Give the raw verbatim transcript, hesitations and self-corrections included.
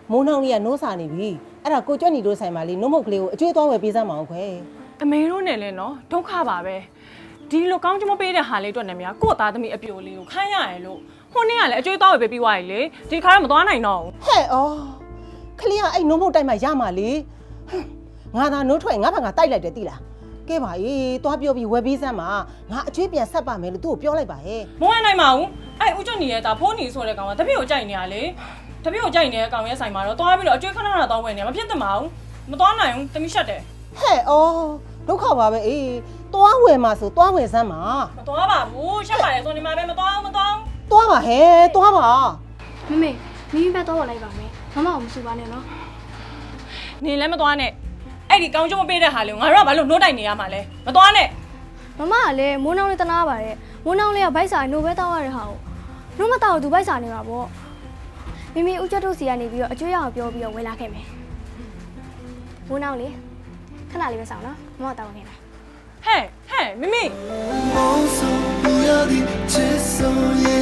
မိုးနှောင်းလေးကနိုးစာနေပြီအဲ့ဒါကိုကြွညီတို့ဆိုင်မှာလေနှုတ်မုတ်ကလေးကိုအကျွေးသွားဝယ်ပေးစမ်းမအောင်ခွဲအမေတို့နဲ့လဲနော်ဒုက္ခပါပဲဒီလိုကောင်းချမပေးတဲ့ဟာလေးအတွက်နဲ့များကို့သားသမီးအပြိုလေးကိုခိုင်းရရလို့ဟိုနေ့ကလည်းအကျွေးသွားဝယ်ပေးပြီးွားရည်လေဒီခါတော့မသွားနိုင်တော့ဘူးဟဲ့ဩခလေးကအဲ့နှုတ်မုတ်တိုက်မှရမှာလေငါသာနိုးထွက်ငါဘာငါတိုက်လိုက်တယ်တိလားကဲပါအေးသွားပြောပြီးဝယ်ပေးစမ်းပါငါအကျွေးပြန်ဆက်ပါမယ်လို့သူ့ကိုပြောလိုက်ပါဟဲ့မဝင်နိုင်ပါဘူးအဲ့ဦးကျွတ်ညီရဲ့ဒါဖိုးညီဆိုတဲ့ကောင်ကတပည့်ကိုကြိုက်နေရလေတပည့်ကိုကြိုက်နေတဲ့ကောင်ရဲ့ဆိုင်မှာတော့သွားပြီးတော့အကျွေးခဏခဏသွားဝယ်နေမဖြစ်သင့်ပါဘူးမသွားနိုင်ဘူးတမိရှက်တယ်ဟဲ့ဩဒုက္ခပါပဲအေးသွားဝယ်မှာဆိုသွားဝယ်စမ်းပါမသွားပါဘူးရှက်ပါလေဆိုနေမှာပဲမသွားဘူးမသွားဘူးသွားပါဟဲ့သွားပါမမေမိမိပဲတော့လိုက်ပါမယ်မမအောင်မစူပါနဲ့နော်နေလည်းမသွားနဲ့အဲ့ဒီကောင်းကျိုးမပေးတဲ့ဟာလေငါတို့ကဘာလို့နှိုးတိုက်နေရမှာလဲမသွားနဲ့မမကလည်းမိုးနှောင်းလေးတနာပါတယ်မိုးနှောင်းလေးကဗိုက်စာနိုဘဲတောက်ရတဲ့ဟာကိုနှုတ်မတောက်သူဗိုက်စာနေမှာပေါ့မိမိဦးကျွတ်တို့စီကနေပြီးတော့အကျွေးရအောင်ပြောပြီးတော့ဝင်လာခဲ့မယ်မိုးနှောင်းလေးခဏလေးပဲဆောင်နော်မမတောက်နေမယ်ဟဲ့ဟဲ့မိမိ梦送不要的，只送也